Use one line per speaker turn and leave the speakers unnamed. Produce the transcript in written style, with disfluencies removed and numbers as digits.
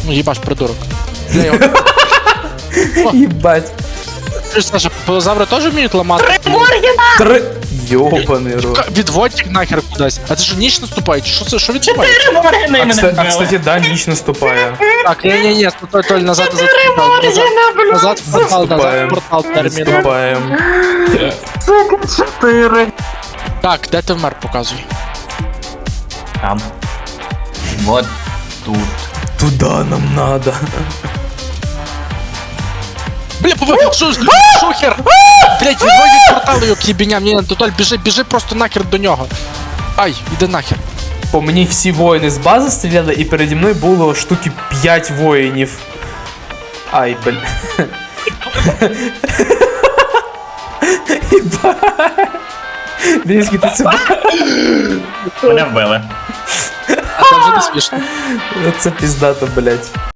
Ну, їбаш, придурок. Де його?
Їбать.
Ти ж, Саша, пилозаври теж вміють ламати?
Три. Йобаний рот.
Відводь їх нахер кудись. А це що, ніч наступає? Чи що це? Що відбувається?
4 моргани мене
А,
вбили.
кстати, да, ніч наступає.
Так, ні, Толь, назад, назад, в портал терміну.
Наступаємо.
4.
Так, де ти вмер, показуй.
Там. Вот тут.
Туда нам надо.
Бля, шухер! Блять, відводь від порталу, його к'єбіням. Ні, Толь, біжи просто нахер до нього. Ай, іди нахер.
По мені всі воїни з бази стріляли, і переді мною було штуки 5 воїнів. Ай, бля. Блінський, ти це
Мене вбили.
А це вже не смішно.
це піздато, блять.